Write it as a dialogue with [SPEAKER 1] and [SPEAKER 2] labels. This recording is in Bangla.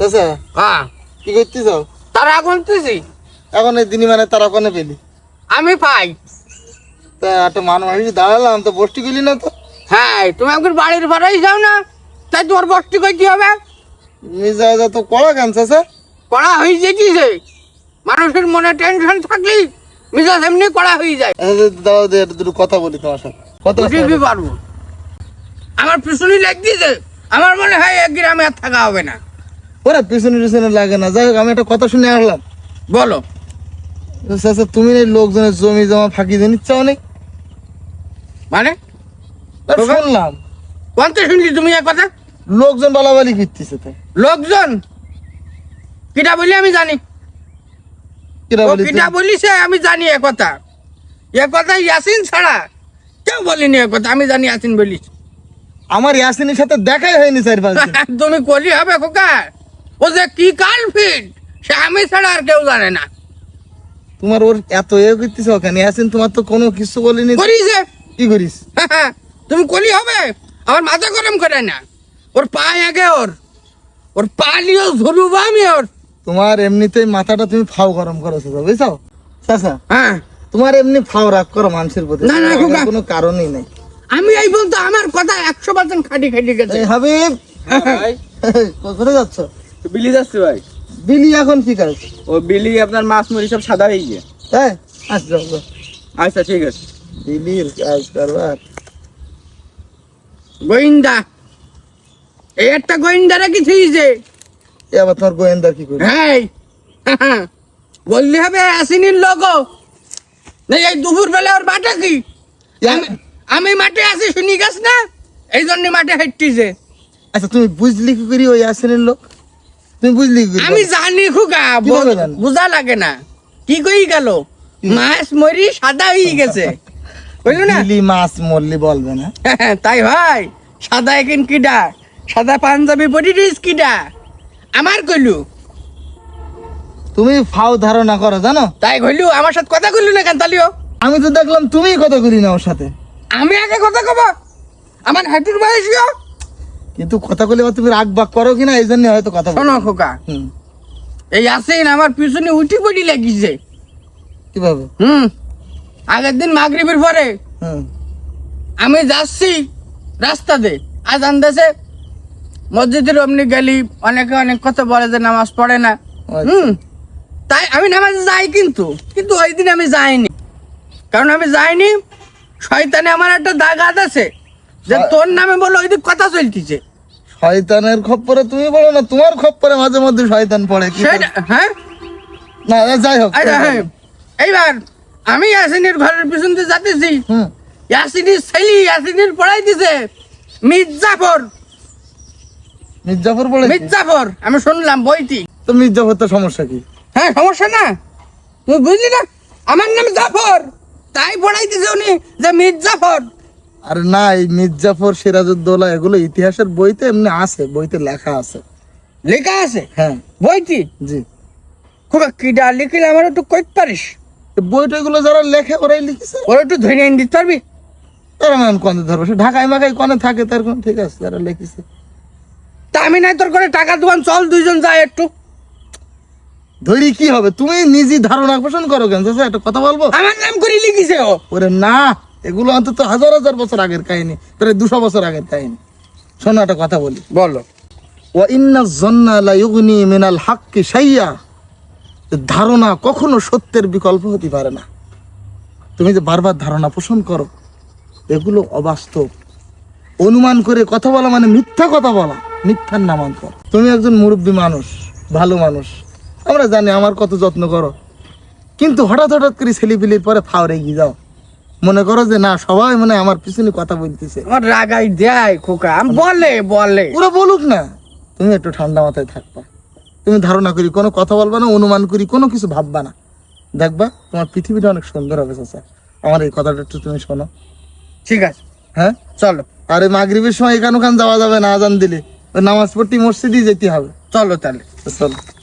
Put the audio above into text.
[SPEAKER 1] চাচা
[SPEAKER 2] হ্যাঁ
[SPEAKER 1] কি করতেছ?
[SPEAKER 2] তারা গুনতেছি।
[SPEAKER 1] এখন এই দিনই মানে তারা কোনে পেলি?
[SPEAKER 2] আমি পাই।
[SPEAKER 1] তা একটা মানুষ দাঁড়ালাম তো বসটি গেলি না তো?
[SPEAKER 2] হ্যাঁ তুমি একবার বাড়ির ভাড়াই যাও না, তাই তোমার বসটি করতে হবে।
[SPEAKER 1] মিজাজ তো কড়া কেন চাচা?
[SPEAKER 2] কড়া হয়ে যেতেছে, মানুষের মনে টেনশন থাকলেই মিজাজ এমনি কড়া হয়ে যায়।
[SPEAKER 1] দাও দে দুটো কথা বলি তোমার সাথে। কথা
[SPEAKER 2] বুঝতে পারবো, আমার পিছনে লাগতেছে, আমার মনে হয় এক গ্রামে আর থাকা হবে না।
[SPEAKER 1] ওরা পিছনে পিছনে লাগে না। যাই হোক, আমি একটা কথা শুনে আসলাম।
[SPEAKER 2] বলো।
[SPEAKER 1] চাচা তুমি এই লোকজনের জমি জমা ফাঁকি দিয়ে নিচ্ছ অনেক,
[SPEAKER 2] মানে
[SPEAKER 1] শুনলাম
[SPEAKER 2] কোনটা শুনছি তুমি এক কথা?
[SPEAKER 1] লোকজন বালাবালি ফিরতেছে। তাই
[SPEAKER 2] লোকজন কিটা বলি আমি জানি,
[SPEAKER 1] কিরা বলি
[SPEAKER 2] কিটা বলিছে আমি জানি। এ কথা ইয়াসিন ছাড়া কেউ বলিনি। এ কথা আমি জানি, ইয়াসিন বলিস।
[SPEAKER 1] আমার ইয়াসিনের সাথে দেখাই হয়নি 4-5 দিন।
[SPEAKER 2] তুমি কলি হবে খোকা, ও যে কি কাল ফিট সে আমি ছাড়া আর কেউ জানে না।
[SPEAKER 1] তোমার ওর এত করতেছ কেন? ইয়াসিন তোমার তো কোনো কিছু বলিনি।
[SPEAKER 2] করিছে
[SPEAKER 1] কি করিস?
[SPEAKER 2] তুমি কলি হবে, আমার মাথা গরম করে না। ওর পায়ে আগে ওর পা নিয়েও ধরুব আমি ওর।
[SPEAKER 1] তোমার এমনিতেই মাথাটা তুমি ফাও গরম করো চাচা, বুঝছো চাচা?
[SPEAKER 2] হ্যাঁ
[SPEAKER 1] তোমার এমনি ফাও রাগ করো মানুষের প্রতি,
[SPEAKER 2] না, না, খোকা।
[SPEAKER 1] কোনো কারণই নাই।
[SPEAKER 2] আমি এই বলতো আমার কথা 100% খাটি গেছে।
[SPEAKER 1] এই হাবিব,
[SPEAKER 3] ভাই
[SPEAKER 1] কোথায় যাচ্ছ?
[SPEAKER 3] বিলি যাচ্ছে ভাই।
[SPEAKER 1] বিলি এখন কি কাজ?
[SPEAKER 3] ও বিলি আপনার মাছ মুড়ি সব সাদা হয়ে গিয়ে।
[SPEAKER 1] হ্যাঁ আচ্ছা
[SPEAKER 3] আচ্ছা ঠিক আছে।
[SPEAKER 1] বিলির কাজ করবার।
[SPEAKER 2] গোয়েন্দা, এই একটা গোয়েন্দারা কি থইছে?
[SPEAKER 1] এ আবার তোমার গোয়েন্দা কি করে?
[SPEAKER 2] হ্যাঁ বললি হবে আসিনির লোগো। না এই দুপুর বেলা ওর বাটা কি? আমি মাঠে আছি, শুনি গাছ না, এই জন্য মাঠে হাঁটতিছে।
[SPEAKER 1] আচ্ছা তুমি বুঝলি কি করি ওই আসেনের লোক? তুমি বুঝলি কি করি?
[SPEAKER 2] আমি জানি খুকা,
[SPEAKER 1] কিভাবে জানো?
[SPEAKER 2] বুঝা লাগে না। কি কই গেল, মাছ মরি সাদা হয়ে গেছে, বুঝলি না?
[SPEAKER 1] বিলি মাছ মরলি বলবে না।
[SPEAKER 2] তাই ভাই, সাদা এখন কিডা, সাদা পাঞ্জাবি পরিস কিডা আমার কইলু।
[SPEAKER 1] তুমি ফাও ধারণা করো জানো?
[SPEAKER 2] তাই কইলু, আমার সাথে কথা কইলু না কেন তালিও?
[SPEAKER 1] আমি তো দেখলাম তুমিই কথা করি না ওর সাথে।
[SPEAKER 2] আমি আগে কথা কব, আমার হাঁটুর বয়সীয়।
[SPEAKER 1] কিন্তু কথা বলে তুমি রাগ বাগ করো কিনা এই জন্য হয়তো কথা বলো।
[SPEAKER 2] শোনো খোকা,
[SPEAKER 1] হুম,
[SPEAKER 2] এই আসেন আমার পিছনে উঠি পড়ি লাগিছে।
[SPEAKER 1] কিভাবে?
[SPEAKER 2] আগের দিন মাগরিবের পরে
[SPEAKER 1] হুম,
[SPEAKER 2] আমি যাচ্ছি রাস্তাতে, আজান দেশে মসজিদের অমনি গেলি, অনেকে অনেক কথা বলে যে নামাজ পড়ে না।
[SPEAKER 1] আচ্ছা।
[SPEAKER 2] তাই আমি নামাজে যাই, কিন্তু ওই দিন আমি যাইনি। কারণ আমি যাইনি, শয়তানে আমার একটা দাগাত আছে যে তোর নামে বলে ওই দিন কথা চলতিছে।
[SPEAKER 1] শয়তানের খপ্পরে তুমি বলো না, তোমার খপ্পরে মাঝে মধ্যে শয়তান পড়ে। কি
[SPEAKER 2] সেটা হ্যাঁ,
[SPEAKER 1] না যাই হোক।
[SPEAKER 2] আচ্ছা, হ্যাঁ, এইবার আমি ইয়াসিনের ঘরের পিছন দিয়ে যাতেছি,
[SPEAKER 1] হুম,
[SPEAKER 2] ইয়াসিনের ছেলে ইয়াসিনের পড়াই দিছে মির্জাফর।
[SPEAKER 1] মির্জাফর বলে?
[SPEAKER 2] মির্জাফর আমি শুনলাম বইটি।
[SPEAKER 1] তো মির্জাফর তো সমস্যা কি?
[SPEAKER 2] হ্যাঁ সমস্যা না, তুই বুঝলি না, আমার নাম জাফর, তাই পড়াই দিছে উনি যে মির্জাফর।
[SPEAKER 1] আর না, এই মির্জাফর, সিরাজউদ্দৌলা এগুলো ইতিহাসের বইতে এমনি আছে, বইতে লেখা আছে।
[SPEAKER 2] লেখা আছে
[SPEAKER 1] হ্যাঁ
[SPEAKER 2] বইটি?
[SPEAKER 1] জি।
[SPEAKER 2] খুব কিডা লিখিলে আমার একটু কইতে পারিস?
[SPEAKER 1] বইটা এগুলো যারা লেখে ওরাই লিখেছে।
[SPEAKER 2] ওরা একটু ধরে এনে দিতে পারবি?
[SPEAKER 1] তারা নাম কনে ধরবো, সে ঢাকায় মাকায় কনে থাকে তার কোন ঠিক আছে, যারা লিখেছে।
[SPEAKER 2] তা আমি নাই তোর করে টাকা দোকান, চল দুইজন যাই একটু।
[SPEAKER 1] ধরি কি হবে? তুমি নিজে ধারণা পোষণ করো কেন চাচা? একটা কথা বলবো?
[SPEAKER 2] আমার নাম করে লিখিছে ও।
[SPEAKER 1] ওরে না, এগুলো অন্তত হাজার হাজার বছর আগের কাহিনী, প্রায় 200 বছর আগের কাহিনী। শোনো একটা কথা বলি।
[SPEAKER 2] বলো।
[SPEAKER 1] ওয়া ইন্না যন্না লা ইউগনি মিনাল হাক্কি শাইয়া, ধারণা কখনো সত্যের বিকল্প হতে পারে না। তুমি যে বারবার ধারণা পোষণ করো, এগুলো অবাস্তব। অনুমান করে কথা বলা মানে মিথ্যা কথা বলা, মিথ্যার নামান্তর। তুমি একজন মুরব্বী মানুষ, ভালো মানুষ, আমরা জানি আমার কত যত্ন করো, কিন্তু হঠাৎ করে ছেলেপিলির পরে ফাওরে গিয়ে যাও, মনে করো যে না সবাই মনে আমার পিছনে কথা বলতেছে।
[SPEAKER 2] আমার রাগাই দেয় খোকা, বলে
[SPEAKER 1] ওরা বলুক না, তুমি একটু ঠান্ডা মাথায় থাকবা। তুমি ধারণা করি কোনো কথা বলবা না, অনুমান করি কোনো কিছু ভাববা না, দেখবা তোমার পৃথিবীটা অনেক সুন্দর হবে চাচা। আমার এই কথাটা একটু তুমি শোনো।
[SPEAKER 2] ঠিক আছে,
[SPEAKER 1] হ্যাঁ
[SPEAKER 2] চলো।
[SPEAKER 1] আর এই মাগরিবের সময় এখান ওখান যাওয়া যাবে না, আজান দিলে ওই নামাজ পড়তে মসজিদই যেতে হবে।
[SPEAKER 2] চলো তাহলে।
[SPEAKER 1] চলো।